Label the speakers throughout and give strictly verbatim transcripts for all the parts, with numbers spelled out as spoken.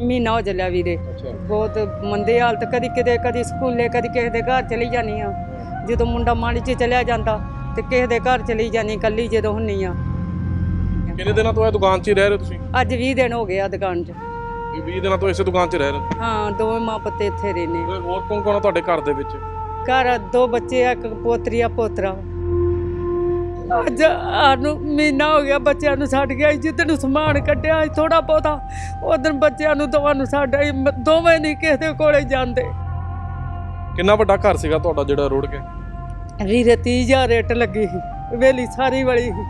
Speaker 1: ਮਹੀਨਾ ਹੋ ਚੱਲਿਆ ਵੀਰੇ। ਬਹੁਤ ਮੰਦੇ ਹਾਲਤ, ਕਦੀ ਕਿਤੇ ਕਦੀ ਸਕੂਲੇ ਕਦੀ ਕਿਸੇ ਦੇ ਘਰ ਚਲੀ ਜਾਨੀ ਆ। ਜਦੋਂ ਮੁੰਡਾ ਮਾੜੀ 'ਚ ਚਲਿਆ ਜਾਂਦਾ ਤੇ ਕਿਸੇ ਦੇ ਘਰ ਚਲੀ ਜਾਨੀ ਕੱਲੀ ਜਦੋਂ ਹੁੰਨੀ ਆ।
Speaker 2: ਕਿੰਨੇ ਦਿਨਾਂ ਤੋਂ ਇਹ ਦੁਕਾਨ 'ਚ ਹੀ ਰਹਿ ਰਹੇ ਤੁਸੀਂ?
Speaker 1: ਅੱਜ ਵੀਹ ਦਿਨ ਹੋ ਗਏ ਆ ਦੁਕਾਨ 'ਚ।
Speaker 2: ਵੀਹ ਦਿਨਾਂ ਤੋਂ ਇਸੇ ਦੁਕਾਨ 'ਚ ਰਹਿ ਰਹੇ?
Speaker 1: ਹਾਂ, ਦੋਵੇਂ ਮਾਂ ਪੁੱਤੇ ਇੱਥੇ ਰਹਿੰਦੇ।
Speaker 2: ਹੋਰ ਕੌਣ ਕੌਣ ਆ ਤੁਹਾਡੇ ਘਰ ਦੇ ਵਿੱਚ?
Speaker 1: ਘਰ ਦੋ ਬੱਚੇ ਆ, ਇੱਕ ਪੋਤਰੀ ਆ ਪੋਤਰਾ। ਅੱਜ ਸਾਨੂੰ ਮਹੀਨਾ ਹੋ ਗਿਆ ਬੱਚਿਆਂ ਨੂੰ ਛੱਡ ਗਿਆ। ਜਿੱਦਣ ਸਮਾਨ ਕੱਢਿਆ ਥੋੜਾ ਬਹੁਤਾ, ਉਦੋਂ ਬੱਚਿਆਂ ਨੂੰ ਦੋਵਾਂ ਨੂੰ ਛੱਡ ਆਈ। ਦੋਵੇਂ ਨਹੀਂ ਕਿਸੇ ਦੇ ਕੋਲੇ ਜਾਂਦੇ।
Speaker 2: ਕਿੰਨਾ ਵੱਡਾ ਘਰ ਸੀਗਾ ਤੁਹਾਡਾ ਜਿਹੜਾ ਰੁੜ ਗਿਆ?
Speaker 1: ਵੀਰੇ ਤੀਹ ਹਜ਼ਾਰ ਰੇਟ ਲੱਗੀ ਸੀ, ਵੇਲੀ ਸਾਰੀ ਵਾਲੀ ਸੀ।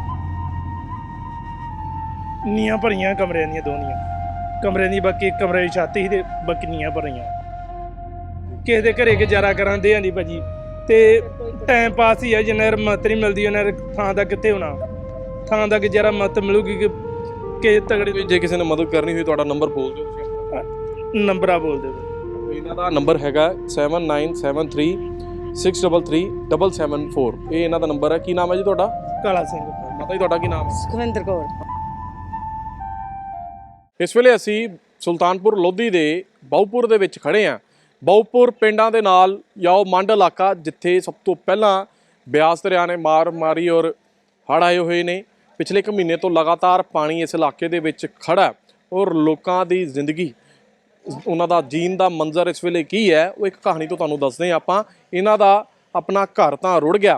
Speaker 3: ਨੀਆਂ ਭਰੀਆਂ ਕਮਰਿਆਂ ਦੀਆਂ ਦੋਨੀਆਂ ਕਮਰੇ ਦੀ, ਬਾਕੀ ਇੱਕ ਕਮਰੇ ਦੀ ਛੱਤ ਸੀ ਤੇ ਬਾਕੀ ਨੀਆਂ ਭਰੀਆਂ। ਕਿਸੇ ਦੇ ਘਰੇ ਗੁਜ਼ਾਰਾ ਕਰਾਂਦੇ ਆਂ ਦੀ ਭਾਜੀ, ਤੇ ਟਾਈਮ ਪਾਸ ਹੀ ਆ। ਜਿੰਨਾ ਮਤ ਨਹੀਂ ਮਿਲਦੀ ਉਹਨਾਂ ਥਾਂ ਦਾ ਕਿੱਥੇ ਹੋਣਾ। ਥਾਂ ਦਾ ਗੁਜ਼ਾਰਾ ਮਤ ਮਿਲੂਗੀ ਕਿ ਕਿਸੇ ਤਗੜੇ।
Speaker 2: ਜੇ ਕਿਸੇ ਨੇ ਮਦਦ ਕਰਨੀ ਹੋਈ ਤੁਹਾਡਾ ਨੰਬਰ ਬੋਲ ਦਿਓ ਤੁਸੀਂ।
Speaker 3: ਨੰਬਰ ਆ ਬੋਲ ਦਿਓ।
Speaker 2: ਇਹਨਾਂ ਦਾ ਨੰਬਰ ਹੈਗਾ seven nine seven three six double three double seven four. ਇਹ ਇਹਨਾਂ ਦਾ ਨੰਬਰ ਹੈ। ਕੀ ਨਾਮ ਹੈ ਜੀ ਤੁਹਾਡਾ?
Speaker 3: ਕਾਲਾ ਸਿੰਘ।
Speaker 2: ਮਾਤਾ ਜੀ ਤੁਹਾਡਾ ਕੀ ਨਾਮ ਹੈ?
Speaker 1: ਸੁਖਵਿੰਦਰ ਕੌਰ।
Speaker 2: ਇਸ ਵੇਲੇ ਅਸੀਂ ਸੁਲਤਾਨਪੁਰ ਲੋਧੀ ਦੇ ਬਾਉਪੁਰ ਦੇ ਵਿੱਚ ਖੜੇ ਹਾਂ। ਬਾਉਪੁਰ ਪਿੰਡਾਂ ਦੇ ਨਾਲ ਜਾਂ ਉਹ ਮੰਡ ਇਲਾਕਾ ਜਿੱਥੇ ਸਭ ਤੋਂ ਪਹਿਲਾਂ ਬਿਆਸ ਦਰਿਆ ਨੇ ਮਾਰ ਮਾਰੀ ਔਰ ਹੜ੍ਹ ਆਏ ਹੋਏ ਨੇ। ਪਿਛਲੇ ਇੱਕ ਮਹੀਨੇ ਤੋਂ ਲਗਾਤਾਰ ਪਾਣੀ ਇਸ ਇਲਾਕੇ ਦੇ ਵਿੱਚ ਖੜਾ ਔਰ ਲੋਕਾਂ ਦੀ ਜ਼ਿੰਦਗੀ, ਉਹਨਾਂ ਦਾ ਜੀਣ ਦਾ ਮੰਜ਼ਰ ਇਸ ਵੇਲੇ ਕੀ ਹੈ, ਉਹ ਇੱਕ ਕਹਾਣੀ ਤੋਂ ਤੁਹਾਨੂੰ ਦੱਸਦੇ ਹਾਂ ਆਪਾਂ। ਇਹਨਾਂ ਦਾ ਆਪਣਾ ਘਰ ਤਾਂ ਰੁੜ ਗਿਆ,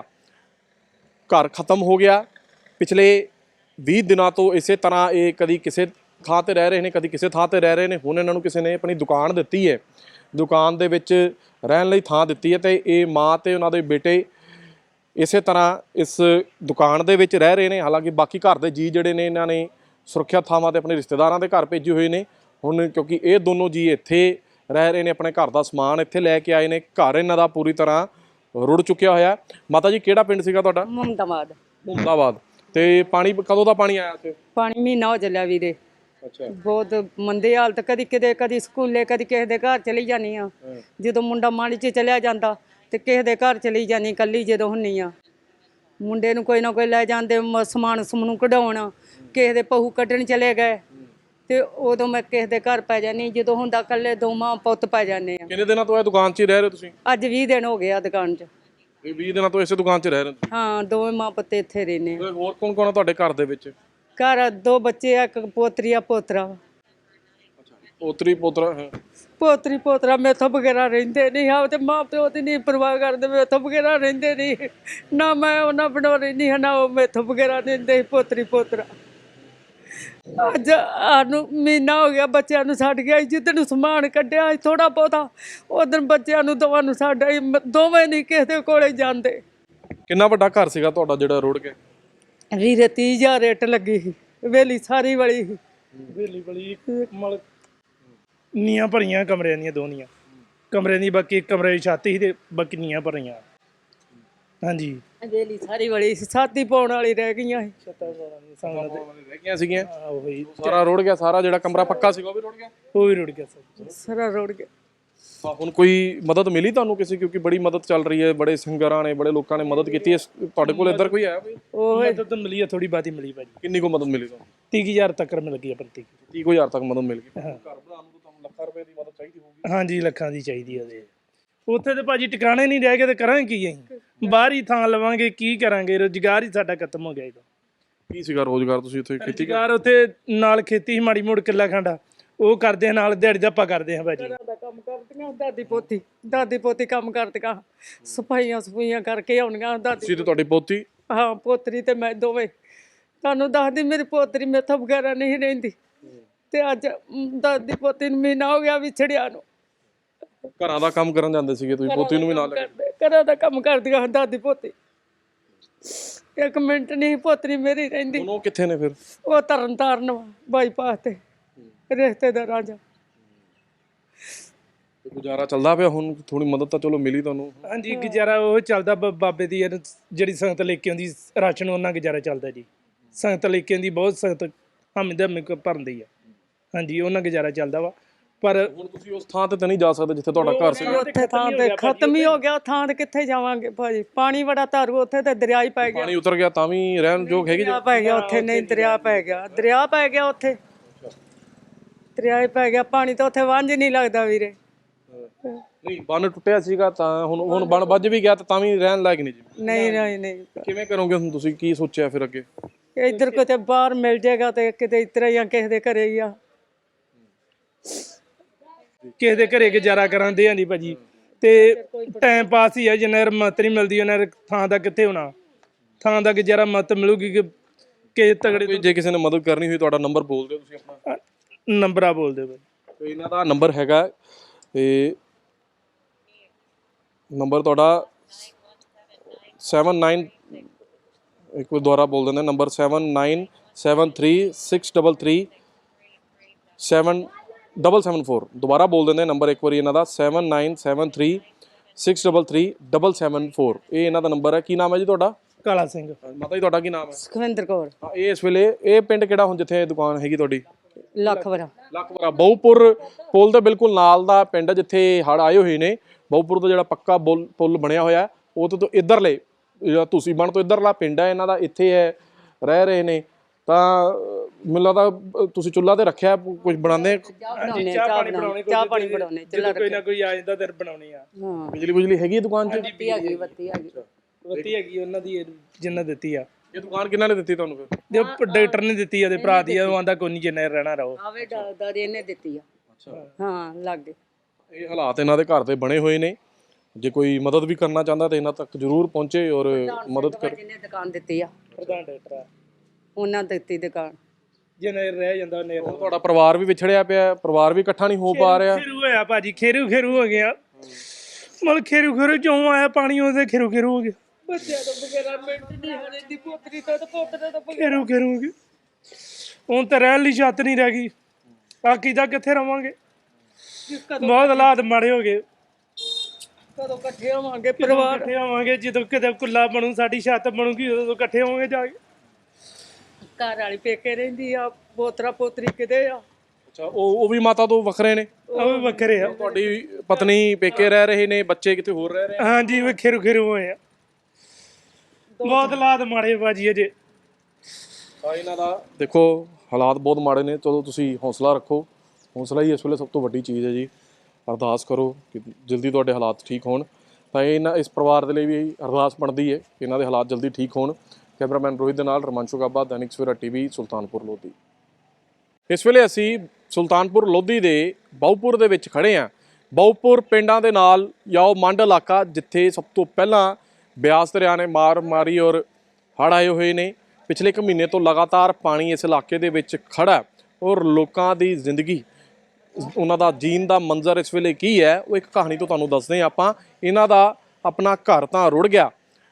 Speaker 2: ਘਰ ਖਤਮ ਹੋ ਗਿਆ। ਪਿਛਲੇ ਵੀਹ ਦਿਨਾਂ ਤੋਂ ਇਸੇ ਤਰ੍ਹਾਂ ਇਹ ਕਦੀ ਕਿਸੇ ਥਾਂ ਤੇ ਰਹਿ ਰਹੇ ਨੇ, ਕਦੀ ਕਿਸੇ ਥਾਂ ਤੇ ਰਹਿ ਰਹੇ ਨੇ। ਹੁਣ ਇਹਨਾਂ ਨੂੰ ਕਿਸੇ ਨੇ ਆਪਣੀ ਦੁਕਾਨ ਦਿੱਤੀ ਹੈ, ਦੁਕਾਨ ਦੇ ਵਿੱਚ ਰਹਿਣ ਲਈ ਥਾਂ ਦਿੱਤੀ ਹੈ, ਤੇ ਇਹ ਮਾਂ ਤੇ ਉਹਨਾਂ ਦੇ ਬੇਟੇ ਇਸੇ ਤਰ੍ਹਾਂ ਇਸ ਦੁਕਾਨ ਦੇ ਵਿੱਚ ਰਹਿ ਰਹੇ ਨੇ। ਹਾਲਾਂਕਿ ਬਾਕੀ ਘਰ ਦੇ ਜੀ ਜਿਹੜੇ ਨੇ ਇਹਨਾਂ ਨੇ ਸੁਰੱਖਿਅਤ ਥਾਵਾਂ ਤੇ ਆਪਣੇ ਰਿਸ਼ਤੇਦਾਰਾਂ ਦੇ ਘਰ ਭੇਜੇ ਹੋਏ ਨੇ। ਹੁਣ ਕਿਉਂਕਿ ਇਹ ਦੋਨੋਂ ਜੀ ਇੱਥੇ ਰਹਿ ਰਹੇ ਨੇ, ਆਪਣੇ ਘਰ ਦਾ ਸਮਾਨ ਇੱਥੇ ਲੈ ਕੇ ਆਏ ਨੇ। ਘਰ ਇਹਨਾਂ ਦਾ ਪੂਰੀ ਤਰ੍ਹਾਂ ਰੁੜ ਚੁੱਕਿਆ ਹੋਇਆ। ਮਾਤਾ ਜੀ ਕਿਹੜਾ ਪਿੰਡ ਸੀਗਾ ਤੁਹਾਡਾ?
Speaker 1: ਮੁਹੰਮਦਾਬਾਦ।
Speaker 2: ਮੁਹੰਮਦਾਬਾਦ। ਤੇ ਪਾਣੀ ਕਦੋਂ ਦਾ ਪਾਣੀ ਆਇਆ ਇੱਥੇ?
Speaker 1: ਪਾਣੀ ਮਹੀਨਾ ਹੋ ਚੱਲਿਆ ਵੀਰੇ।
Speaker 2: ਅੱਛਾ।
Speaker 1: ਬਹੁਤ ਮੰਦੇ ਹਾਲਤ, ਕਦੀ ਕਿਤੇ ਕਦੀ ਸਕੂਲੇ ਕਦੀ ਕਿਸੇ ਦੇ ਘਰ ਚਲੀ ਜਾਨੀ ਆ। ਜਦੋਂ ਮੁੰਡਾ ਮਾੜੀ 'ਚ ਚਲਿਆ ਜਾਂਦਾ ਤੇ ਕਿਸੇ ਦੇ ਘਰ ਚਲੀ ਜਾਨੀ ਕੱਲੀ ਜਦੋਂ ਹੁੰਨੀ ਆ। ਮੁੰਡੇ ਨੂੰ ਕੋਈ ਨਾ ਕੋਈ ਲੈ ਜਾਂਦੇ ਸਮਾਨ ਸਮੂਨ ਕਢਾਉਣ, ਕਿਸੇ ਦੇ ਪਹੂ ਕੱਢਣ ਚਲੇ ਗਏ ਤੇ ਉਦੋਂ ਮੈਂ ਕਿਸੇ ਦੇ ਘਰ ਪੈ ਜਾਨੀ। ਜਦੋਂ ਹੁੰਦਾ ਕੱਲੇ ਦੋ ਮਾਂ ਪੁੱਤ ਪੈ ਜਾਂਦੇ ਆ।
Speaker 2: ਕਿੰਨੇ ਦਿਨਾਂ ਤੋਂ ਇਹ ਦੁਕਾਨ 'ਚ ਹੀ ਰਹਿ ਰਹੇ ਤੁਸੀਂ?
Speaker 1: ਅੱਜ ਵੀਹ ਦਿਨ ਹੋ ਗਏ ਆ ਦੁਕਾਨ 'ਚ।
Speaker 2: ਇਹ ਵੀਹ ਦਿਨਾਂ ਤੋਂ ਇਸੇ ਦੁਕਾਨ 'ਚ ਰਹਿ ਰਹੇ ਹੋ?
Speaker 1: ਹਾਂ, ਦੋਵੇਂ ਮਾਂ ਪੁੱਤ ਇੱਥੇ ਰਹਿੰਦੇ।
Speaker 2: ਹੋਰ ਕੌਣ ਕੌਣ ਆ ਤੁਹਾਡੇ ਘਰ ਦੇ ਵਿੱਚ?
Speaker 1: ਘਰ ਦੋ ਬੱਚੇ ਆ, ਇੱਕ ਪੋਤਰੀ ਆ ਪੋਤਰਾ।
Speaker 2: ਪੋਤਰੀ ਪੋਤਰਾ ਹੈ?
Speaker 1: ਪੋਤਰੀ ਪੋਤਰਾ ਮੇਥੋਂ ਬਗੈਰਾ ਰਹਿੰਦੇ ਨਹੀਂ ਆ, ਤੇ ਮਾਂ ਪਿਓ ਦੀ ਨਹੀਂ ਪਰਵਾਹ ਕਰਦੇ। ਮੇਥੋਂ ਬਗੈਰਾ ਰਹਿੰਦੇ ਨਹੀਂ, ਨਾ ਮੈਂ ਉਹਨਾਂ ਬਣਾ ਰਹਿੰਦੀ ਹਾਂ, ਨਾ ਉਹ ਮੇਥੋਂ ਬਗੈਰਾ ਰਹਿੰਦੇ। ਪੋਤਰੀ ਪੋਤਰਾ ਅੱਜ ਸਾਨੂੰ ਮਹੀਨਾ ਹੋ ਗਿਆ ਬੱਚਿਆਂ ਨੂੰ ਛੱਡ ਗਿਆ। ਜਿੱਦਣ ਸਮਾਨ ਕੱਢਿਆ ਥੋੜਾ ਬਹੁਤਾ, ਉਦੋਂ ਬੱਚਿਆਂ ਨੂੰ ਦੋਵਾਂ ਨੂੰ ਛੱਡ ਆਈ। ਦੋਵੇਂ ਨਹੀਂ ਕਿਸੇ ਦੇ ਕੋਲੇ ਜਾਂਦੇ।
Speaker 2: ਕਿੰਨਾ ਵੱਡਾ ਘਰ ਸੀਗਾ ਤੁਹਾਡਾ ਜਿਹੜਾ ਰੁੜ ਗਿਆ?
Speaker 1: ਵੀਰੇ ਤੀਹ ਹਜ਼ਾਰ ਰੇਟ ਲੱਗੀ ਸੀ, ਵੇਲੀ ਸਾਰੀ ਵਾਲੀ ਸੀ।
Speaker 3: ਵੇਲੀ ਵਾਲੀ ਮਲ ਨੀਆਂ ਭਰੀਆਂ ਕਮਰਿਆਂ ਦੀਆਂ ਦੋਨੀਆਂ ਕਮਰੇ ਦੀ, ਬਾਕੀ ਇੱਕ ਕਮਰੇ ਦੀ ਛੱਤ ਸੀ ਤੇ ਬਾਕੀ ਨੀਆਂ ਭਰੀਆਂ। ਹਾਂਜੀ,
Speaker 1: ਵੇਲੀ ਸਾਰੀ ਵਾਲੀ ਸੀ, ਸਾਥੀ ਪਾਉਣ ਵਾਲੀ ਰਹਿ ਗਈਆਂ ਸੀ।
Speaker 2: ਰਹਿ ਗਈਆਂ ਸੀਗੀਆਂ।
Speaker 3: ਉਹੀ
Speaker 2: ਸਾਰਾ ਰੁੜ ਗਿਆ, ਸਾਰਾ ਜਿਹੜਾ ਕਮਰਾ ਪੱਕਾ ਸੀਗਾ ਉਹ ਵੀ ਰੁੜ ਗਿਆ।
Speaker 3: ਉਹ ਵੀ ਰੁੜ ਗਿਆ ਸਰ,
Speaker 1: ਸਾਰਾ ਰੁੜ ਗਿਆ।
Speaker 2: ਹੁਣ ਕੋਈ ਮਦਦ ਮਿਲੀ ਤੁਹਾਨੂੰ ਕਿਸੇ? ਕਿਉਂਕਿ ਬੜੀ ਮਦਦ ਚੱਲ ਰਹੀ ਹੈ, ਬੜੇ ਸਿੰਗਰਾਂ ਨੇ, ਬੜੇ ਲੋਕਾਂ ਨੇ ਮਦਦ ਕੀਤੀ ਹੈ। ਤੁਹਾਡੇ ਕੋਲ ਇੱਧਰ ਕੋਈ ਆਇਆ? ਕੋਈ
Speaker 3: ਉਹ ਮਦਦ ਮਿਲੀ ਆ, ਥੋੜੀ ਬਾਤੀ ਮਿਲੀ ਭਾਜੀ।
Speaker 2: ਕਿੰਨੀ ਕੋ ਮਦਦ ਮਿਲੀ ਤੁਹਾਨੂੰ?
Speaker 3: ਤੀਹ ਹਜ਼ਾਰ ਤੱਕ ਮਿਲ ਗਈ ਪ੍ਰਤੀ।
Speaker 2: ਤੀਹ ਕੁ ਹਜ਼ਾਰ ਤੱਕ ਮਦਦ ਮਿਲ ਗਈ। ਘਰ ਬਣਾਉਣ ਨੂੰ ਤੁਹਾਨੂੰ ਲੱਖਾਂ ਰੁਪਏ ਦੀ ਮਦਦ ਚਾਹੀਦੀ ਹੋਊਗੀ।
Speaker 3: ਹਾਂਜੀ, ਲੱਖਾਂ ਦੀ ਚਾਹੀਦੀ ਆ। ਉਹਦੇ ਉੱਥੇ ਤੇ ਭਾਜੀ ਟਿਕਾਣੇ ਨਹੀਂ ਰਹਿ ਗਏ, ਤੇ ਕਰਾਂਗੇ ਕੀ ਅਸੀਂ? ਬਾਹਰ ਹੀ ਥਾਂ ਲਵਾਂਗੇ, ਕੀ ਕਰਾਂਗੇ? ਰੁਜ਼ਗਾਰ ਹੀ ਸਾਡਾ ਖਤਮ ਹੋ ਗਿਆ। ਇਹਦਾ
Speaker 2: ਕੀ ਸੀਗਾ ਰੋਜ਼ਗਾਰ? ਤੁਸੀਂ ਉੱਥੇ ਖੇਤੀ?
Speaker 3: ਰੁਜ਼ਗਾਰ ਉੱਥੇ ਨਾਲ ਖੇਤੀ ਸੀ, ਮਾੜੀ ਮੋੜ ਕਿੱਲਾ ਖੰਡਾ ਉਹ ਕਰਦੇ ਆ, ਨਾਲ ਦਿਹਾੜੀ ਦਾ ਆਪਾਂ ਕਰਦੇ ਹਾਂ ਭਾਜੀ।
Speaker 1: ਦਾ ਕੰਮ ਕਰਦੀਆਂ ਦਾਦੀ ਪੋਤੀ, ਦਾਦੀ ਪੋਤੀ ਕੰਮ ਕਰਦੀਆਂ, ਸਫਾਈਆਂ ਸਫਾਈਆਂ ਕਰਕੇ ਆਉਣੀਆਂ। ਦਾਦੀ
Speaker 2: ਤੁਸੀਂ ਤੇ ਤੁਹਾਡੀ ਪੋਤੀ?
Speaker 1: ਹਾਂ, ਪੋਤਰੀ ਤੇ ਮੈਂ ਦੋਵੇਂ। ਤੁਹਾਨੂੰ ਦੱਸਦੀ, ਮੇਰੀ ਪੋਤਰੀ ਮੇਥੋਂ ਵਗੈਰਾ ਨਹੀਂ ਰਹਿੰਦੀ, ਤੇ ਅੱਜ ਦਾਦੀ ਪੋਤੀ ਨੂੰ ਮਹੀਨਾ ਹੋ ਗਿਆ ਵਿਛੜਿਆ ਨੂੰ।
Speaker 2: ਘਰਾਂ ਦਾ ਕੰਮ ਕਰਨ ਜਾਂਦੇ ਸੀਗੇ ਤੁਸੀਂ, ਪੋਤੀ ਨੂੰ ਵੀ ਨਾਲ ਲੈ ਕੇ?
Speaker 1: ਘਰਾਂ ਦਾ ਕੰਮ ਕਰਦੀਆਂ ਦਾਦੀ ਪੋਤੀ। ਇੱਕ ਮਿੰਟ ਨਹੀਂ ਪੋਤਰੀ ਮੇਰੀ ਰਹਿੰਦੀ।
Speaker 2: ਉਹ ਕਿੱਥੇ ਨੇ ਫਿਰ?
Speaker 1: ਉਹ ਤਰਨ ਤਾਰਨ ਬਾਈਪਾਸ ਤੇ ਰਿਸ਼ਤੇਦਾਰਾਂ ਚ।
Speaker 2: ਗੁਜ਼ਾਰਾ ਚੱਲਦਾ ਪਿਆ ਹੁਣ? ਥੋੜੀ ਮਦਦ ਤਾਂ ਚਲੋ ਮਿਲੀ ਤੁਹਾਨੂੰ?
Speaker 3: ਹਾਂਜੀ, ਗੁਜ਼ਾਰਾ ਉਹ ਚੱਲਦਾ। ਬਾਬੇ ਦੀ ਜਿਹੜੀ ਸੰਗਤ ਲੈ ਕੇ ਆਉਂਦੀ ਰਾਸ਼ਨ, ਉਹਨਾਂ ਗੁਜ਼ਾਰਾ ਚੱਲਦਾ ਜੀ। ਸੰਗਤ ਲੈ ਕੇ ਆਉਂਦੀ, ਬਹੁਤ ਸੰਗਤ ਹਮਦ ਹਮੇ ਭਰਦੀ ਆ। ਹਾਂਜੀ, ਉਹਨਾਂ ਗੁਜ਼ਾਰਾ ਚੱਲਦਾ ਵਾ। ਪਰ
Speaker 2: ਹੁਣ ਤੁਸੀਂ ਉਸ ਥਾਂ ਤੇ ਤਾਂ ਨਹੀਂ ਜਾ ਸਕਦੇ ਜਿੱਥੇ ਤੁਹਾਡਾ ਘਰ ਸੀ?
Speaker 1: ਉੱਥੇ ਥਾਂ ਤੇ ਖਤਮ ਹੀ ਹੋ ਗਿਆ। ਥਾਂ ਤੇ ਕਿੱਥੇ ਜਾਵਾਂਗੇ ਭਾਜੀ? ਪਾਣੀ ਬੜਾ ਧਾਰੂ ਉੱਥੇ, ਤੇ ਦਰਿਆ ਹੀ ਪੈ ਗਿਆ।
Speaker 2: ਪਾਣੀ ਉਤਰ ਗਿਆ ਤਾਂ ਵੀ ਰਹਿਣ ਯੋਗ ਹੈਗੀ?
Speaker 1: ਦਰਿਆ ਪੈ ਗਿਆ ਉੱਥੇ। ਨਹੀਂ, ਦਰਿਆ ਪੈ ਗਿਆ, ਦਰਿਆ ਪੈ ਗਿਆ ਉੱਥੇ। ਦਰਿਆ ਹੀ ਪੈ ਗਿਆ ਪਾਣੀ ਤਾਂ ਉੱਥੇ ਵਾਂਝ ਨਹੀਂ ਲੱਗਦਾ ਵੀਰੇ।
Speaker 2: ਨਹੀਂ ਬੰਨ ਟੁੱਟਿਆ ਸੀਗਾ ਤਾਂ ਹੁਣ ਹੁਣ ਬੰਨ ਵੱਜ ਵੀ ਗਿਆ ਤਾਂ ਤਾਂ ਵੀ ਰਹਿਣ ਲਾਇਕ ਨਹੀਂ ਜੀ।
Speaker 1: ਨਹੀਂ ਨਹੀਂ ਨਹੀਂ
Speaker 2: ਕਿਵੇਂ ਕਰੋਗੇ ਹੁਣ ਤੁਸੀਂ ਕੀ ਸੋਚਿਆ ਫਿਰ ਅੱਗੇ?
Speaker 1: ਇੱਧਰ ਕਿਤੇ ਬਾਹਰ ਮਿਲ ਜਾਏਗਾ ਤੇ ਕਿਤੇ ਇਤਰਾ ਹੀ ਆ ਕਿਸੇ ਦੇ ਘਰੇ ਹੀ ਆ।
Speaker 3: ਕਿਸੇ ਦੇ ਘਰੇ ਗੁਜ਼ਾਰਾ ਕਰਾਂਦੇ ਆ ਨਹੀਂ ਭਾਜੀ ਤੇ ਟਾਈਮ ਪਾਸ ਹੀ ਆ। ਜਿੰਨਾ ਚਿਰ ਮਤ ਨਹੀਂ ਮਿਲਦੀ ਉਹਨਾਂ ਚਿਰ ਥਾਂ ਦਾ ਕਿੱਥੇ ਹੋਣਾ। ਥਾਂ ਦਾ ਗੁਜ਼ਾਰਾ ਮਤ ਮਿਲੂਗੀ ਕਿ ਕਿਸੇ ਤਗੜੇ
Speaker 2: ਕੋਈ ਜੇ ਕਿਸੇ ਨੇ ਮਦਦ ਕਰਨੀ ਹੋਈ ਤੁਹਾਡਾ ਨੰਬਰ ਬੋਲ ਦਿਓ ਤੁਸੀਂ ਆਪਣਾ।
Speaker 3: ਨੰਬਰਾਂ ਬੋਲਦੇ ਬਾਈ।
Speaker 2: ਤੇ ਇਹਨਾਂ ਦਾ ਨੰਬਰ ਹੈਗਾ ਤੇ ਨੰਬਰ ਤੁਹਾਡਾ ਸੈਵਨ ਨਾਈਨ ਇੱਕ ਵਾਰ ਦੁਬਾਰਾ ਬੋਲ ਦਿੰਦੇ number seven nine seven three six double three seven double seven four. ਦੁਬਾਰਾ ਬੋਲ ਦਿੰਦੇ ਨੰਬਰ ਇੱਕ ਵਾਰੀ ਇਹਨਾਂ ਦਾ seven nine seven three six double three double seven four. ਇਹ ਇਹਨਾਂ ਦਾ ਨੰਬਰ ਹੈ। ਕੀ ਨਾਮ ਹੈ ਜੀ ਤੁਹਾਡਾ?
Speaker 3: ਕਾਲਾ ਸਿੰਘ।
Speaker 2: ਮਾਤਾ ਜੀ ਤੁਹਾਡਾ ਕੀ ਨਾਮ ਹੈ?
Speaker 1: ਸੁਖਵਿੰਦਰ ਕੌਰ।
Speaker 2: ਹਾਂ, ਇਹ ਇਸ ਵੇਲੇ ਇਹ ਪਿੰਡ ਕਿਹੜਾ ਹੁਣ ਜਿੱਥੇ ਦੁਕਾਨ ਹੈਗੀ ਤੁਹਾਡੀ?
Speaker 1: ਲੱਖਵਰਾ।
Speaker 2: ਲੱਖਵਰਾ ਬਹੁਪੁਰ ਪੁਲ ਦੇ ਬਿਲਕੁਲ ਨਾਲ ਦਾ ਪਿੰਡ ਜਿੱਥੇ ਹੜ੍ਹ ਆਏ ਹੋਏ ਨੇ। ਬਹੁਪੁਰ ਤੋਂ ਜਿਹੜਾ ਪੱਕਾ ਪੁਲ ਪੁਲ ਬਣਿਆ ਹੋਇਆ ਉਹ ਤੋਂ ਇੱਧਰਲੇ ਜਿਹੜਾ ਤੁਸੀਂ ਬਣ ਤੋਂ ਇੱਧਰਲਾ ਪਿੰਡ ਹੈ ਇਹਨਾਂ ਦਾ, ਇੱਥੇ ਹੈ ਰਹਿ ਰਹੇ ਨੇ। ਤਾਂ ਮੈਨੂੰ ਲੱਗਦਾ ਤੁਸੀਂ ਚੁੱਲ੍ਹਾ ਤੇ ਰੱਖਿਆ ਕੁਝ ਬਣਾਉਂਦੇ?
Speaker 3: ਚਾਹ ਪਾਣੀ ਬਣਾਉਣੇ
Speaker 1: ਚਾਹ ਪਾਣੀ ਬਣਾਉਣੇ ਚੁੱਲ੍ਹਾ
Speaker 3: ਕੋਈ ਨਾ ਕੋਈ ਆ ਜਾਂਦਾ ਤੇ ਬਣਾਉਣੇ ਆ।
Speaker 1: ਹਾਂ
Speaker 2: ਬਿਜਲੀ ਬੁਜਲੀ ਹੈਗੀ ਦੁਕਾਨ 'ਚ?
Speaker 1: ਬੱਤੀ ਹੈਗੀ ਬੱਤੀ ਹੈਗੀ
Speaker 3: ਬੱਤੀ ਹੈਗੀ ਉਹਨਾਂ ਦੀ ਜਿੰਨਾ ਦਿੱਤੀ ਆ।
Speaker 2: ਇਹ ਦੁਕਾਨ ਕਿਹਨਾਂ ਨੇ ਦਿੱਤੀ ਤੁਹਾਨੂੰ ਫਿਰ?
Speaker 3: ਜੋ ਡਾਕਟਰ ਨੇ ਦਿੱਤੀ ਆ ਉਹਦੇ ਭਰਾ ਦੀ ਆ। ਉਹ ਆਂਦਾ ਕੋਈ ਨਹੀਂ ਜਿੰਨਾ ਰਹਿਣਾ ਰਹੋ।
Speaker 1: ਆਵੇ ਦਾਦੀ ਇਹਨੇ ਦਿੱਤੀ ਆ।
Speaker 2: ਅੱਛਾ
Speaker 1: ਹਾਂ ਲੱਗ ਗਏ।
Speaker 2: ਇਹ ਹਾਲਾਤ ਇਹਨਾਂ ਦੇ ਘਰ ਦੇ ਬਣੇ ਹੋਏ ਨੇ। ਜੇ ਕੋਈ ਮਦਦ ਵੀ ਕਰਨਾ ਚਾਹੁੰਦਾ ਤੇ ਇਹਨਾਂ ਤੱਕ ਜ਼ਰੂਰ ਪਹੁੰਚੇ ਔਰ ਮਦਦ ਕਰ।
Speaker 1: ਜਿਹਨੇ ਦੁਕਾਨ ਦਿੱਤੀ ਆ
Speaker 3: ਪ੍ਰਧਾਨ ਡਾਕਟਰ ਆ
Speaker 1: ਉਹਨਾਂ ਦਿੱਤੀ ਦੁਕਾਨ।
Speaker 3: ਜਿੰਨਾ ਰਹਿ ਜਾਂਦਾ ਉਹਨੇ।
Speaker 2: ਹੁਣ ਤੁਹਾਡਾ ਪਰਿਵਾਰ ਵੀ ਵਿਛੜਿਆ ਪਿਆ, ਪਰਿਵਾਰ ਵੀ ਇਕੱਠਾ ਨਹੀਂ ਹੋ ਪਾ ਰਿਹਾ।
Speaker 3: ਖੇਰੂ ਹੋਇਆ ਭਾਜੀ, ਖੇਰੂ ਖੇਰੂ ਹੋ ਗਿਆ। ਮਤਲਬ ਖੇਰੂ ਖੇਰੂ ਚੋਂ ਆਇਆ ਪਾਣੀ ਉਹਦੇ ਖੇਰੂ ਖੇਰੂ ਹੋ ਗਿਆ।
Speaker 1: ਬੱਚਿਆਂ ਤੋਂ ਬਗੈਰਾ ਮਿੰਟ ਨਹੀਂ ਹਰੇ ਦੀ ਪੋਤਰੀ ਤੋਂ ਤੇ ਪੋਤਰੇ ਤੋਂ
Speaker 3: ਖੇਰੂ ਖੇਰੂ ਹੋ ਗਿਆ। ਹੁਣ ਤਾਂ ਰਹਿਣ ਲਈ ਛੱਤ ਨਹੀਂ ਰਹਿ ਗਈ। ਬਾਕੀ ਤਾਂ ਕਿੱਥੇ ਰਵਾਂਗੇ। ਬਹੁਤ ਹਾਲਾਤ ਮਾੜੇ ਹੋ ਗਏ।
Speaker 1: ਕਦੋਂ ਇਕੱਠੇ ਹੋਵਾਂਗੇ ਪਰਿਵਾਰ?
Speaker 3: ਇਕੱਠੇ ਹੋਵਾਂਗੇ ਜਦੋਂ ਕਿਤੇ ਕੁੱਲਾ ਬਣੂ, ਸਾਡੀ ਛੱਤ ਬਣੂਗੀ, ਉਦੋਂ ਇਕੱਠੇ ਹੋਵਾਂਗੇ ਜਾ ਕੇ।
Speaker 1: ਘਰ ਵਾਲੀ ਪੇਕੇ ਰਹਿੰਦੀ ਆ, ਪੋਤਰਾ ਪੋਤਰੀ ਕਿਤੇ ਆ।
Speaker 2: ਅੱਛਾ ਉਹ ਉਹ ਵੀ ਮਾਤਾ ਤੋਂ ਵੱਖਰੇ ਨੇ?
Speaker 3: ਉਹ ਵੀ ਵੱਖਰੇ ਆ।
Speaker 2: ਤੁਹਾਡੀ ਪਤਨੀ ਪੇਕੇ ਰਹਿ ਰਹੇ ਨੇ, ਬੱਚੇ ਕਿਤੇ ਹੋਰ ਰਹਿ ਰਹੇ?
Speaker 3: ਹਾਂਜੀ ਉਹ ਖੇਰੂ ਖੇਰੂ ਹੋਏ ਆ। ਬਹੁਤ ਹਾਲਾਤ ਮਾੜੇ ਭਾਜੀ ਅਜੇ।
Speaker 2: ਤਾਂ ਇਹਨਾਂ ਦਾ ਦੇਖੋ ਹਾਲਾਤ ਬਹੁਤ ਮਾੜੇ ਨੇ। ਚਲੋ ਤੁਸੀਂ ਹੌਸਲਾ ਰੱਖੋ। ਹੌਸਲਾ ਹੀ ਇਸ ਵੇਲੇ ਸਭ ਤੋਂ ਵੱਡੀ ਚੀਜ਼ ਹੈ ਜੀ। ਅਰਦਾਸ ਕਰੋ ਕਿ ਜਲਦੀ ਤੁਹਾਡੇ ਹਾਲਾਤ ਠੀਕ ਹੋਣ। ਤਾਂ ਇਹਨਾਂ ਇਸ ਪਰਿਵਾਰ ਦੇ ਲਈ ਵੀ ਅਰਦਾਸ ਬਣਦੀ ਹੈ ਕਿ ਇਹਨਾਂ ਦੇ ਹਾਲਾਤ ਜਲਦੀ ਠੀਕ ਹੋਣ। ਕੈਮਰਾਮੈਨ ਰੋਹਿਤ ਦੇ ਨਾਲ ਰਮਾਂਸ਼ੂ ਗਾਬਾ, ਦੈਨਿਕ ਸਵੇਰਾ ਟੀਵੀ, ਸੁਲਤਾਨਪੁਰ ਲੋਧੀ। ਇਸ ਵੇਲੇ ਅਸੀਂ ਸੁਲਤਾਨਪੁਰ ਲੋਧੀ ਦੇ ਬਹੁਪੁਰ ਦੇ ਵਿੱਚ ਖੜੇ ਹਾਂ। ਬਹੁਪੁਰ ਪਿੰਡਾਂ ਦੇ ਨਾਲ ਜਾਂ ਉਹ ਮੰਡ ਇਲਾਕਾ ਜਿੱਥੇ ਸਭ ਤੋਂ ਪਹਿਲਾਂ ਬਿਆਸ ਦਰਿਆ ਨੇ ਮਾਰ ਮਾਰੀ ਔਰ ਹੜ੍ਹ ਆਏ ਹੋਏ ਨੇ। ਪਿਛਲੇ ਇੱਕ ਮਹੀਨੇ ਤੋਂ ਲਗਾਤਾਰ ਪਾਣੀ ਇਸ ਇਲਾਕੇ ਦੇ ਵਿੱਚ ਖੜਾ ਔਰ ਲੋਕਾਂ ਦੀ ਜ਼ਿੰਦਗੀ, ਉਹਨਾਂ ਦਾ ਜੀਣ ਦਾ ਮੰਜ਼ਰ ਇਸ ਵੇਲੇ ਕੀ ਹੈ ਉਹ ਇੱਕ ਕਹਾਣੀ ਤੋਂ ਤੁਹਾਨੂੰ ਦੱਸਦੇ ਹਾਂ ਆਪਾਂ। ਇਹਨਾਂ ਦਾ ਆਪਣਾ ਘਰ ਤਾਂ ਰੁੜ ਗਿਆ,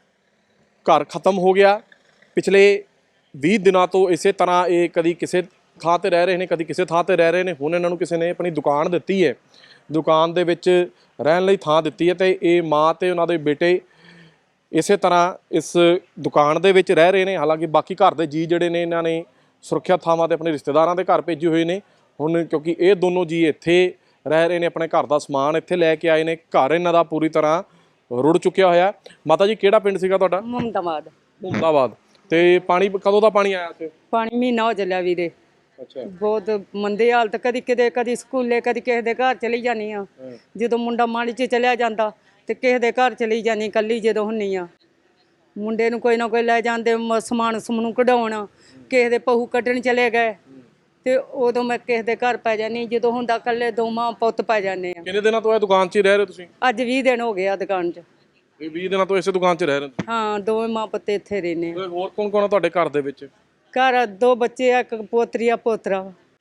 Speaker 2: ਘਰ ਖਤਮ ਹੋ ਗਿਆ। ਪਿਛਲੇ ਵੀਹ ਦਿਨਾਂ ਤੋਂ ਇਸੇ ਤਰ੍ਹਾਂ ਇਹ ਕਦੀ ਕਿਸੇ ਥਾਂ ਤੇ ਰਹਿ ਰਹੇ ਨੇ, ਕਦੀ ਕਿਸੇ ਥਾਂ ਤੇ ਰਹਿ ਰਹੇ ਨੇ। ਹੁਣ ਇਹਨਾਂ ਨੂੰ ਕਿਸੇ ਨੇ ਆਪਣੀ ਦੁਕਾਨ ਦਿੱਤੀ ਹੈ, ਦੁਕਾਨ ਦੇ ਵਿੱਚ ਰਹਿਣ ਲਈ ਥਾਂ ਦਿੱਤੀ ਹੈ ਤੇ ਇਹ ਮਾਂ ਤੇ ਉਹਨਾਂ ਦੇ ਬੇਟੇ ਇਸੇ ਤਰ੍ਹਾਂ ਇਸ ਦੁਕਾਨ ਦੇ ਵਿੱਚ ਰਹਿ ਰਹੇ ਨੇ। ਹਾਲਾਂਕਿ ਬਾਕੀ ਘਰ ਦੇ ਜੀ ਜਿਹੜੇ ਨੇ ਇਹਨਾਂ ਨੇ ਸੁਰੱਖਿਅਤ ਥਾਵਾਂ ਤੇ ਆਪਣੇ ਰਿਸ਼ਤੇਦਾਰਾਂ ਦੇ ਘਰ ਭੇਜੇ ਹੋਏ ਨੇ। ਹੁਣ ਕਿਉਂਕਿ ਇਹ ਦੋਨੋਂ ਜੀ ਇੱਥੇ ਰਹਿ ਰਹੇ ਨੇ, ਆਪਣੇ ਘਰ ਦਾ ਸਮਾਨ ਇੱਥੇ ਲੈ ਕੇ ਆਏ ਨੇ। ਘਰ ਇਹਨਾਂ ਦਾ ਪੂਰੀ ਤਰ੍ਹਾਂ ਰੁੜ ਚੁੱਕਿਆ ਹੋਇਆ। ਮਾਤਾ ਜੀ ਕਿਹੜਾ ਪਿੰਡ ਸੀਗਾ ਤੁਹਾਡਾ?
Speaker 1: ਮੁਹੰਮਦਾਬਾਦ।
Speaker 2: ਮੁਹੰਮਦਾਬਾਦ। ਤੇ ਪਾਣੀ ਕਦੋਂ ਦਾ ਪਾਣੀ ਆਇਆ ਇੱਥੇ?
Speaker 1: ਪਾਣੀ ਮਹੀਨਾ ਹੋ ਚੱਲਿਆ ਵੀਰੇ।
Speaker 2: ਅੱਛਾ
Speaker 1: ਬਹੁਤ ਮੰਦੇ ਹਾਲਤ। ਕਦੀ ਕਿਤੇ ਕਦੀ ਸਕੂਲੇ, ਕਦੀ ਕਿਸੇ ਦੇ ਘਰ ਚਲੀ ਜਾਨੀ ਆ। ਜਦੋਂ ਮੁੰਡਾ ਮਾੜੀ 'ਚ ਚਲਿਆ ਜਾਂਦਾ ਤੇ ਕਿਸੇ ਦੇ ਘਰ ਚਲੀ ਜਾਨੀ ਕੱਲੀ। ਜਦੋਂ ਹੁੰਨੀ ਆ ਮੁੰਡੇ ਨੂੰ ਕੋਈ ਨਾ ਕੋਈ ਲੈ ਜਾਂਦੇ ਸਮਾਨ ਸਮੂਨ ਕਢਾਉਣ, ਕਿਸੇ ਦੇ ਪਹੂ ਕੱਢਣ ਚਲੇ ਗਏ ਤੇ ਉਦੋਂ ਮੈਂ ਕਿਸੇ ਦੇ ਘਰ ਪੈ ਜਾਨੀ। ਜਦੋਂ ਹੁੰਦਾ ਕੱਲੇ ਦੋ ਮਾਂ ਪੁੱਤ ਪੈ ਜਾਂਦੇ ਆ।
Speaker 2: ਕਿੰਨੇ ਦਿਨਾਂ ਤੋਂ ਇਹ ਦੁਕਾਨ 'ਚ ਹੀ ਰਹਿ ਰਹੇ ਤੁਸੀਂ?
Speaker 1: ਅੱਜ ਵੀਹ ਦਿਨ ਹੋ ਗਏ ਆ ਦੁਕਾਨ 'ਚ।
Speaker 2: ਇਹ ਵੀਹ ਦਿਨਾਂ ਤੋਂ ਇਸੇ ਦੁਕਾਨ 'ਚ ਰਹਿ ਰਹੇ ਹੋ?
Speaker 1: ਹਾਂ ਦੋਵੇਂ ਮਾਂ ਪੁੱਤ ਇੱਥੇ ਰਹਿੰਦੇ ਆ।
Speaker 2: ਹੋਰ ਕੌਣ ਕੌਣ ਆ ਤੁਹਾਡੇ ਘਰ ਦੇ ਵਿੱਚ?
Speaker 1: ਘਰ ਦੋ ਬੱਚੇ ਆ, ਇੱਕ ਪੋਤਰੀ ਆ ਪੋਤਰਾ।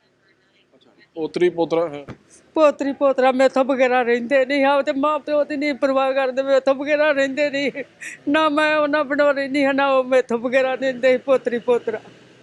Speaker 2: ਪੋਤਰੀ ਪੋਤਰਾ ਹੈ?
Speaker 1: ਪੋਤਰੀ ਪੋਤਰਾ ਮੈਥੋਂ ਬਗੈਰਾ ਰਹਿੰਦੇ ਨਹੀਂ ਆ ਤੇ ਮਾਂ ਪਿਓ ਦੀ ਨਹੀਂ ਪਰਵਾਹ ਕਰਦੇ। ਮੈਥੋਂ ਬਗੈਰਾ ਰਹਿੰਦੇ ਨਹੀਂ ਨਾ। ਮੈਂ ਉਹਨਾਂ ਬਿਨਾਂ ਰਹਿੰਦੀ ਹਾਂ ਨਾ ਉਹ ਮੈਥੋਂ ਬਗੈਰਾ ਰਹਿੰਦੇ। ਪੋਤਰੀ ਪੋਤਰਾ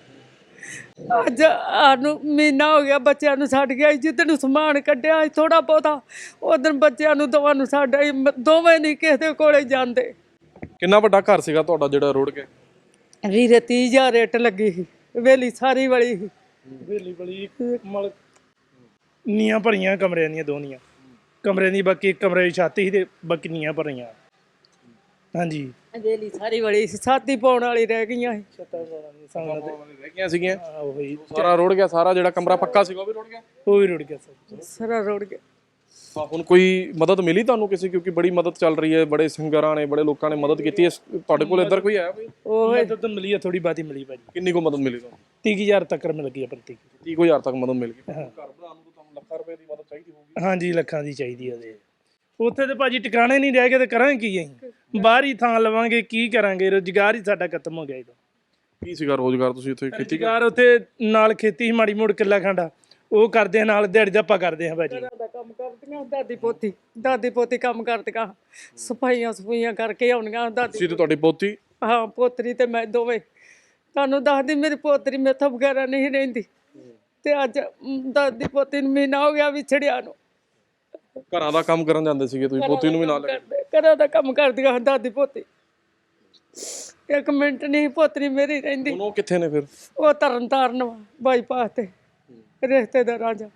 Speaker 1: ਅੱਜ ਸਾਨੂੰ ਮਹੀਨਾ ਹੋ ਗਿਆ ਬੱਚਿਆਂ ਨੂੰ ਛੱਡ ਗਿਆ। ਜਿੱਦਣ ਨੂੰ ਸਮਾਨ ਕੱਢਿਆ ਥੋੜਾ ਬਹੁਤਾ ਉਦੋਂ ਬੱਚਿਆਂ ਨੂੰ ਦੋਵਾਂ ਨੂੰ ਛੱਡ ਆਈ। ਦੋਵੇਂ ਨਹੀਂ ਕਿਸੇ ਦੇ ਕੋਲੇ ਜਾਂਦੇ।
Speaker 2: ਕਿੰਨਾ ਵੱਡਾ ਘਰ ਸੀਗਾ ਤੁਹਾਡਾ ਜਿਹੜਾ ਰੁੜ ਗਿਆ?
Speaker 1: ਵੀਰੇ ਤੀਹ ਹਜ਼ਾਰ ਰੇਟ ਲੱਗੀ ਸੀ। ਵੇਲੀ ਸਾਰੀ ਵਾਲੀ ਸੀ।
Speaker 3: ਵੇਲੀ ਬਲੀ ਮਲ ਨੀਆਂ ਭਰੀਆਂ ਕਮਰਿਆਂ ਦੀਆਂ ਦੋਨੀਆਂ ਕਮਰਿਆਂ ਦੀ। ਬਾਕੀ ਇੱਕ ਕਮਰੇ ਦੀ ਛੱਤ ਸੀ ਤੇ ਬਾਕੀ ਨੀਆਂ ਭਰੀਆਂ। ਹਾਂਜੀ
Speaker 1: ਅਜੇਲੀ ਸਾਰੀ ਵੜੀ ਸੀ, ਸਾਥੀ ਪਾਉਣ ਵਾਲੀ ਰਹਿ ਗਈਆਂ ਸੀ।
Speaker 3: ਛੱਤਾਂ ਪਾਉਣਾ ਦੀ ਸੰਗਤ ਦੇ
Speaker 2: ਰਹਿ ਗਈਆਂ ਸੀਗੀਆਂ,
Speaker 3: ਉਹੀ
Speaker 2: ਸਾਰਾ ਰੁੜ ਗਿਆ, ਸਾਰਾ ਜਿਹੜਾ ਕਮਰਾ ਪੱਕਾ ਸੀਗਾ ਉਹ ਵੀ ਰੁੜ ਗਿਆ।
Speaker 3: ਉਹ ਵੀ ਰੁੜ ਗਿਆ ਸਰ।
Speaker 1: ਸਾਰਾ ਰੁੜ ਗਿਆ।
Speaker 2: ਤਾਂ ਹੁਣ ਕੋਈ ਮਦਦ ਮਿਲੀ ਤੁਹਾਨੂੰ ਕਿਸੇ, ਕਿਉਂਕਿ ਬੜੀ ਮਦਦ ਚੱਲ ਰਹੀ ਹੈ, ਬੜੇ ਸਿੰਗਰਾਂ ਨੇ, ਬੜੇ ਲੋਕਾਂ ਨੇ ਮਦਦ ਕੀਤੀ ਹੈ, ਤੁਹਾਡੇ ਕੋਲ ਇੱਧਰ ਕੋਈ ਆਇਆ ਕੋਈ?
Speaker 1: ਉਹ
Speaker 3: ਮਦਦ ਮਿਲੀ ਆ, ਥੋੜੀ ਬਾਤੀ ਮਿਲੀ ਭਾਜੀ,
Speaker 2: ਕਿੰਨੀ ਕੋ ਮਦਦ ਮਿਲੀ ਤੁਹਾਨੂੰ?
Speaker 3: ਤੀਹ ਹਜ਼ਾਰ ਤੱਕ ਮਿਲ ਗਈ ਆ ਪ੍ਰਤੀ।
Speaker 2: ਤੀਹ ਕੁ ਹਜ਼ਾਰ ਤੱਕ ਮਦਦ ਮਿਲ ਗਈ। ਘਰ ਬਣਾਉਣ ਨੂੰ ਤੁਹਾਨੂੰ ਲੱਖਾਂ ਰੁਪਏ ਦੀ ਮਦਦ ਚਾਹੀਦੀ ਹੋਊਗੀ।
Speaker 3: ਹਾਂਜੀ ਲੱਖਾਂ ਦੀ ਚਾਹੀਦੀ ਆ ਉਹਦੇ। ਉੱਥੇ ਤੇ ਭਾਜੀ ਟਿਕਾਣੇ ਨਹੀਂ ਰਹਿ ਗਏ ਤੇ ਕਰਾਂਗੇ ਕੀ ਅਸੀਂ? ਬਾਹਰ ਹੀ ਥਾਂ ਲਵਾਂਗੇ, ਕੀ ਕਰਾਂਗੇ? ਰੁਜ਼ਗਾਰ ਹੀ ਸਾਡਾ ਖਤਮ ਹੋ ਗਿਆ ਇਹਦਾ।
Speaker 2: ਕੀ ਸੀਗਾ ਰੋਜ਼ਗਾਰ? ਤੁਸੀਂ ਇੱਥੇ ਖੇਤੀ
Speaker 3: ਰੁਜ਼ਗਾਰ ਉੱਥੇ ਨਾਲ ਖੇਤੀ ਸੀ, ਮਾੜੀ ਮੋੜ ਕਿੱਲਾ ਖੰਡਾ ਉਹ ਕਰਦੇ ਆ, ਨਾਲ ਦਿਹਾੜੀ ਦਾ ਆਪਾਂ ਕਰਦੇ ਆ ਭਾਜੀ।
Speaker 1: ਦਾ ਕੰਮ ਕਰਦੀਆਂ ਦਾਦੀ ਪੋਤੀ, ਦਾਦੀ ਪੋਤੀ ਕੰਮ ਕਰਦੀਆਂ, ਸਫਾਈਆਂ ਸਫਾਈਆਂ ਕਰਕੇ ਆਉਣੀਆਂ ਦਾਦੀ।
Speaker 2: ਤੁਸੀਂ ਤੇ ਤੁਹਾਡੀ ਪੋਤੀ?
Speaker 1: ਹਾਂ ਪੋਤਰੀ ਤੇ ਮੈਂ ਦੋਵੇਂ। ਤੁਹਾਨੂੰ ਦੱਸਦੀ ਮੇਰੀ ਪੋਤਰੀ ਮੈਥੋਂ ਵਗੈਰਾ ਨਹੀਂ ਰਹਿੰਦੀ, ਤੇ ਅੱਜ ਮ, ਦਾਦੀ ਪੋਤੀ ਨੂੰ ਮਹੀਨਾ ਹੋ ਗਿਆ ਵਿਛੜਿਆ ਨੂੰ।
Speaker 2: ਘਰਾਂ ਦਾ ਕੰਮ ਕਰਨ ਜਾਂਦੇ ਸੀਗੇ ਤੁਸੀਂ, ਪੋਤੀ ਨੂੰ ਵੀ ਨਾਲ ਲੈ ਕੇ?
Speaker 1: ਕਰਦੇ- ਘਰਾਂ ਦਾ ਕੰਮ ਕਰਦੀਆਂ ਦਾਦੀ ਪੋਤੀ। ਇੱਕ ਮਿੰਟ ਨਹੀਂ ਪੋਤਰੀ ਮੇਰੀ ਰਹਿੰਦੀ।
Speaker 2: ਹੁਣ ਉਹ ਕਿੱਥੇ ਨੇ ਫਿਰ?
Speaker 1: ਉਹ ਤਰਨ ਤਾਰਨ ਵਾ ਬਾਈਪਾਸ ਤੇ ਰਿਸ਼ਤੇਦਾਰਾਂ ਚ।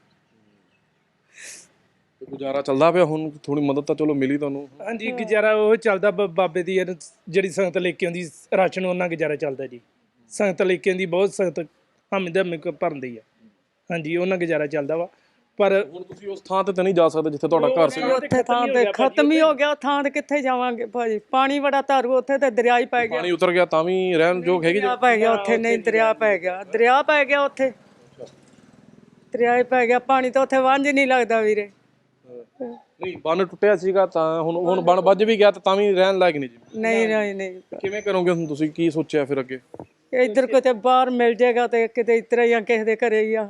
Speaker 2: ਤੇ ਗੁਜ਼ਾਰਾ ਚੱਲਦਾ ਪਿਆ ਹੁਣ? ਥੋੜੀ ਮਦਦ ਤਾਂ ਚਲੋ ਮਿਲੀ ਤੁਹਾਨੂੰ।
Speaker 3: ਹਾਂਜੀ ਗੁਜ਼ਾਰਾ ਉਹ ਚੱਲਦਾ, ਬ- ਬਾਬੇ ਦੀ ਯਾਰ ਜਿਹੜੀ ਸੰਗਤ ਲੈ ਕੇ ਆਉਂਦੀ ਰਾਸ਼ਨ, ਉਹਨਾਂ ਗੁਜ਼ਾਰਾ ਚੱਲਦਾ ਜੀ। ਸੰਗਤ ਲੈ ਕੇ ਆਉਂਦੀ, ਬਹੁਤ ਸੰਗਤ ਹਮਦ ਹਮੇ ਭਰਦੀ ਆ। ਹਾਂਜੀ ਉਹਨਾਂ ਗੁਜ਼ਾਰਾ ਚੱਲਦਾ ਵਾ। ਪਰ
Speaker 2: ਹੁਣ ਤੁਸੀਂ ਉਸ ਥਾਂ ਤੇ ਤਾਂ ਨਹੀਂ ਜਾ ਸਕਦੇ ਜਿੱਥੇ ਤੁਹਾਡਾ ਘਰ ਸੀ?
Speaker 1: ਉੱਥੇ ਥਾਂ ਤੇ ਖਤਮ ਹੀ ਹੋ ਗਿਆ, ਥਾਂ ਤੇ ਕਿੱਥੇ ਜਾਵਾਂਗੇ ਭਾਜੀ? ਪਾਣੀ ਬੜਾ ਧਾਰੂ, ਉੱਥੇ ਤੇ ਦਰਿਆ ਹੀ ਪੈ ਗਿਆ।
Speaker 2: ਪਾਣੀ ਉਤਰ ਗਿਆ ਤਾਂ ਵੀ ਰਹਿਣ ਯੋਗ ਹੈਗੀ?
Speaker 1: ਦਰਿਆ ਪੈ ਗਿਆ ਉੱਥੇ, ਨਹੀਂ ਦਰਿਆ ਪੈ ਗਿਆ, ਦਰਿਆ ਪੈ ਗਿਆ ਉੱਥੇ, ਦਰਿਆ ਹੀ ਪੈ ਗਿਆ। ਪਾਣੀ ਤਾਂ ਉੱਥੇ ਵਾਂਝ ਨਹੀਂ ਲੱਗਦਾ ਵੀਰੇ।
Speaker 2: ਨਹੀਂ ਬੰਨ ਟੁੱਟਿਆ ਸੀਗਾ ਤਾਂ ਹੁਣ ਹੁਣ ਬੰਨ ਵੱਜ ਵੀ ਗਿਆ ਤਾਂ ਵੀ ਰਹਿਣ ਲਾਇਕ ਨਹੀਂ ਜੀ?
Speaker 1: ਨਹੀਂ ਨਹੀਂ ਨਹੀਂ
Speaker 2: ਕਿਵੇਂ ਕਰੋਗੇ ਹੁਣ ਤੁਸੀਂ? ਕੀ ਸੋਚਿਆ ਫਿਰ ਅੱਗੇ?
Speaker 1: ਇੱਧਰ ਕਿਤੇ ਬਾਹਰ ਮਿਲ ਜਾਏਗਾ ਤੇ ਕਿਤੇ ਇਸ ਤਰ੍ਹਾਂ ਹੀ ਆ, ਕਿਸੇ ਦੇ ਘਰੇ ਹੀ ਆ।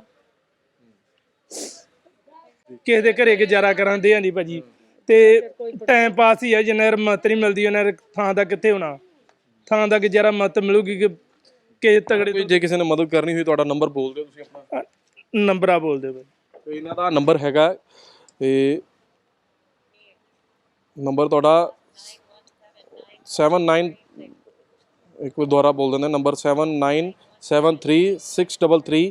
Speaker 3: ਕਿਸੇ ਦੇ ਘਰੇ ਗੁਜ਼ਾਰਾ ਕਰਾਂਦੇ ਆ ਨਹੀਂ ਭਾਜੀ, ਤੇ ਟਾਈਮ ਪਾਸ ਹੀ ਆ। ਜਿੰਨਾ ਚਿਰ ਮਤ ਨਹੀਂ ਮਿਲਦੀ ਉਹਨਾਂ ਥਾਂ ਦਾ ਕਿੱਥੇ ਹੋਣਾ? ਥਾਂ ਦਾ ਗੁਜ਼ਾਰਾ ਮਤ ਮਿਲੂਗੀ ਕਿ ਕਿਸੇ ਤਗੜੇ
Speaker 2: ਕੋਈ ਜੇ ਕਿਸੇ ਨੇ ਮਦਦ ਕਰਨੀ ਹੋਈ, ਤੁਹਾਡਾ ਨੰਬਰ ਬੋਲ ਦਿਓ ਤੁਸੀਂ ਆਪਣਾ।
Speaker 3: ਨੰਬਰ ਆ ਬੋਲਦੇ ਭਾਈ।
Speaker 2: ਤੇ ਇਹਨਾਂ ਦਾ ਨੰਬਰ ਹੈਗਾ, ਤੇ ਨੰਬਰ ਤੁਹਾਡਾ ਸੈਵਨ ਨਾਈਨ, ਇੱਕ ਵਾਰ ਦੁਬਾਰਾ ਬੋਲ ਦਿੰਦੇ, number seven nine seven three six double three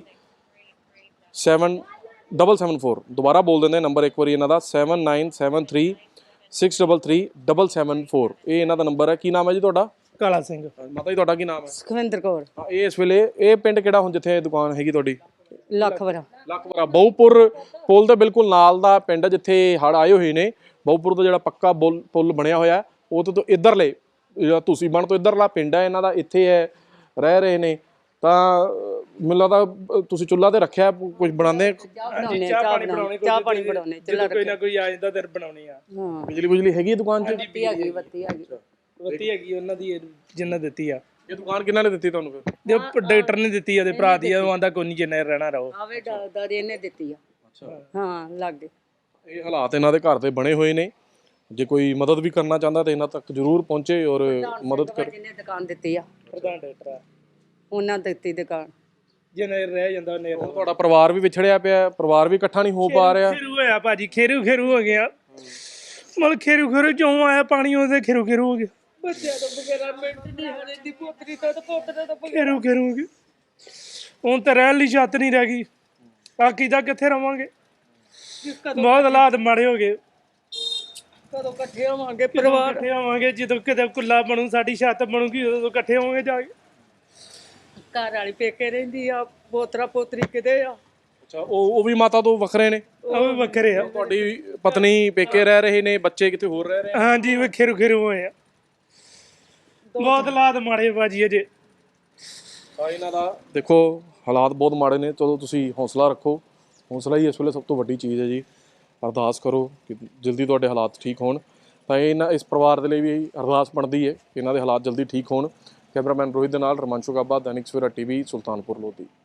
Speaker 2: seven double seven four. ਦੁਬਾਰਾ ਬੋਲ ਦਿੰਦੇ ਨੰਬਰ ਇੱਕ ਵਾਰੀ ਇਹਨਾਂ ਦਾ, seven nine seven three six double three double seven four. ਇਹ ਇਹਨਾਂ ਦਾ ਨੰਬਰ ਹੈ। ਕੀ ਨਾਮ ਹੈ ਜੀ ਤੁਹਾਡਾ?
Speaker 3: ਕਾਲਾ ਸਿੰਘ।
Speaker 2: ਮਾਤਾ ਜੀ ਤੁਹਾਡਾ ਕੀ ਨਾਮ ਹੈ?
Speaker 1: ਸੁਖਵਿੰਦਰ ਕੌਰ।
Speaker 2: ਹਾਂ, ਇਹ ਇਸ ਵੇਲੇ ਇਹ ਪਿੰਡ ਕਿਹੜਾ ਹੁਣ ਜਿੱਥੇ ਦੁਕਾਨ ਹੈਗੀ ਤੁਹਾਡੀ?
Speaker 1: ਲੱਖਵਰਾ।
Speaker 2: ਲੱਖਪੁਰਾ ਬਹੁਪੁਰ ਪੁਲ ਦੇ ਬਿਲਕੁਲ ਨਾਲ ਦਾ ਪਿੰਡ, ਜਿੱਥੇ ਹੜ੍ਹ ਆਏ ਹੋਏ ਨੇ। ਬਹੁਪੁਰ ਦਾ ਜਿਹੜਾ ਪੱਕਾ ਬੁੱਲ ਪੁਲ ਬਣਿਆ ਹੋਇਆ, ਉਹ ਤੋਂ ਇੱਧਰਲੇ ਜਿਹੜਾ ਤੁਸੀਂ ਬਣ ਤੋਂ ਇੱਧਰਲਾ ਪਿੰਡ ਹੈ ਇਹਨਾਂ ਦਾ, ਇੱਥੇ ਹੈ ਰਹਿ ਰਹੇ ਨੇ। ਤਾਂ ਮੈਨੂੰ ਲੱਗਦਾ ਤੁਸੀਂ ਚੁੱਲ੍ਹਾ ਤੇ ਰੱਖਿਆ, ਕੁਝ ਬਣਾਉਂਦੇ?
Speaker 1: ਚਾਹ ਪਾਣੀ ਬਣਾਉਣੇ, ਚਾਹ ਪਾਣੀ ਬਣਾਉਣੇ,
Speaker 3: ਜਦੋਂ ਕੋਈ ਨਾ ਕੋਈ ਆ ਜਾਂਦਾ ਤੇ ਬਣਾਉਣੀ ਆ।
Speaker 1: ਹਾਂ
Speaker 2: ਬਿਜਲੀ ਬੁਜਲੀ ਹੈਗੀ ਹੈ ਦੁਕਾਨ 'ਚ?
Speaker 1: ਬੱਤੀ ਹੈਗੀ, ਬੱਤੀ ਹੈਗੀ।
Speaker 3: ਬੱਤੀ ਹੈਗੀ ਉਹਨਾਂ ਦੀ, ਜਿੰਨਾ ਦਿੱਤੀ ਆ।
Speaker 2: ਇਹ ਦੁਕਾਨ ਕਿਹਨਾਂ ਨੇ ਦਿੱਤੀ ਤੁਹਾਨੂੰ ਫਿਰ?
Speaker 3: ਜੋ ਡਾਕਟਰ ਨੇ ਦਿੱਤੀ, ਉਹਦੇ ਭਰਾ ਦੀ, ਉਹ ਆਂਦਾ ਕੋਈ ਨਹੀਂ ਜਿੰਨਾ ਚਿਰ ਰਹਿਣਾ ਰਹੋ।
Speaker 1: ਆਵੇ ਦਾਦੀ ਇਹਨੇ ਦਿੱਤੀ ਆ।
Speaker 2: ਅੱਛਾ,
Speaker 1: ਹਾਂ ਲੱਗ ਗਏ।
Speaker 2: ਇਹ ਹਾਲਾਤ ਇਹਨਾਂ ਦੇ ਘਰ ਦੇ ਬਣੇ ਹੋਏ ਨੇ। ਜੇ ਕੋਈ ਮਦਦ ਵੀ ਕਰਨਾ ਚਾਹੁੰਦਾ ਤਾਂ ਇਹਨਾਂ ਤੱਕ ਜ਼ਰੂਰ ਪਹੁੰਚੇ ਔਰ ਮਦਦ ਕਰ।
Speaker 1: ਜਿਹਨੇ ਦੁਕਾਨ ਦਿੱਤੀ ਆ,
Speaker 3: ਪ੍ਰਧਾਨ ਡਾਕਟਰ ਆ,
Speaker 1: ਉਹਨਾਂ ਦਿੱਤੀ ਦੁਕਾਨ।
Speaker 3: ਜਿੰਨਾ ਚਿਰ ਰਹਿ ਜਾਂਦਾ ਉਹਨੇ।
Speaker 2: ਹੁਣ ਤੁਹਾਡਾ ਪਰਿਵਾਰ ਵੀ ਵਿਛੜਿਆ ਪਿਆ, ਪਰਿਵਾਰ ਵੀ ਇਕੱਠਾ ਨਹੀਂ ਹੋ ਪਾ ਰਿਹਾ।
Speaker 3: ਖੇਰੂ ਹੋਇਆ ਭਾਜੀ, ਖੇਰੂ ਖੇਰੂ ਹੋ ਗਿਆ। ਮਤਲਬ ਖੇਰੂ ਖੇਰੂ ਜਿਉਂ ਆਇਆ ਪਾਣੀ, ਉਹਦੇ ਖੇਰੂ ਖੇਰੂ ਹੋ ਗਿਆ।
Speaker 1: ਬੱਚਿਆਂ ਤੋਂ ਬਗੈਰਾ ਮਿੰਟ ਨਹੀਂ ਹਰੇ ਦੀ ਪੋਤਰੀ ਤੋਂ ਤੇ ਪੋਤਰੇ ਤੋਂ ਬਗੈਰਾ।
Speaker 3: ਖੇਰੂ ਖੇਰੂ ਹੋ ਗਿਆ। ਹੁਣ ਤਾਂ ਰਹਿਣ ਲਈ ਛੱਤ ਨਹੀਂ ਰਹਿ ਗਈ। ਬਾਕੀ ਦਾ ਕਿੱਥੇ ਰਵਾਂਗੇ? ਬਹੁਤ ਹਾਲਾਤ ਮਾੜੇ ਹੋ ਗਏ।
Speaker 1: ਕਦੋਂ ਇਕੱਠੇ ਹੋਵਾਂਗੇ ਪਰਿਵਾਰ?
Speaker 3: ਇਕੱਠੇ ਹੋਵਾਂਗੇ ਜਦੋਂ ਕਿਤੇ ਕੁੱਲਾ ਬਣੂ, ਸਾਡੀ ਛੱਤ ਬਣੂਗੀ, ਉਦੋਂ ਇਕੱਠੇ ਹੋਵਾਂਗੇ ਜਾ ਕੇ।
Speaker 1: ਘਰ ਵਾਲੀ ਪੇਕੇ ਰਹਿੰਦੀ ਆ, ਪੋਤਰਾ ਪੋਤਰੀ ਕਿਤੇ ਆ?
Speaker 2: ਅੱਛਾ, ਉਹ ਉਹ ਵੀ ਮਾਤਾ ਤੋਂ ਵੱਖਰੇ ਨੇ?
Speaker 3: ਉਹ ਵੀ ਵੱਖਰੇ ਆ।
Speaker 2: ਤੁਹਾਡੀ ਪਤਨੀ ਪੇਕੇ ਰਹਿ ਰਹੇ ਨੇ, ਬੱਚੇ ਕਿਤੇ ਹੋਰ ਰਹਿ ਰਹੇ?
Speaker 3: ਹਾਂਜੀ ਉਹ ਖੇਰੂ ਖੇਰੂ ਹੋਏ ਆ। ਬਹੁਤ ਹਾਲਾਤ ਮਾੜੇ ਭਾਜੀ ਅਜੇ।
Speaker 2: ਤਾਂ ਇਹਨਾਂ ਦਾ ਦੇਖੋ ਹਾਲਾਤ ਬਹੁਤ ਮਾੜੇ ਨੇ। ਚਲੋ ਤੁਸੀਂ ਹੌਸਲਾ ਰੱਖੋ, ਹੌਸਲਾ ਹੀ ਇਸ ਵੇਲੇ ਸਭ ਤੋਂ ਵੱਡੀ ਚੀਜ਼ ਹੈ ਜੀ। ਅਰਦਾਸ ਕਰੋ ਕਿ ਜਲਦੀ ਤੁਹਾਡੇ ਹਾਲਾਤ ਠੀਕ ਹੋਣ। ਤਾਂ ਇਹਨਾਂ ਇਸ ਪਰਿਵਾਰ ਦੇ ਲਈ ਵੀ ਅਰਦਾਸ ਬਣਦੀ ਹੈ ਕਿ ਇਹਨਾਂ ਦੇ ਹਾਲਾਤ ਜਲਦੀ ਠੀਕ ਹੋਣ। ਕੈਮਰਾਮੈਨ ਰੋਹਿਤ ਦੇ ਨਾਲ ਰਮਾਂਸ਼ੂ ਗਾਬਾ, ਦੈਨਿਕ ਸਵੇਰਾ ਟੀਵੀ, ਸੁਲਤਾਨਪੁਰ ਲੋਧੀ।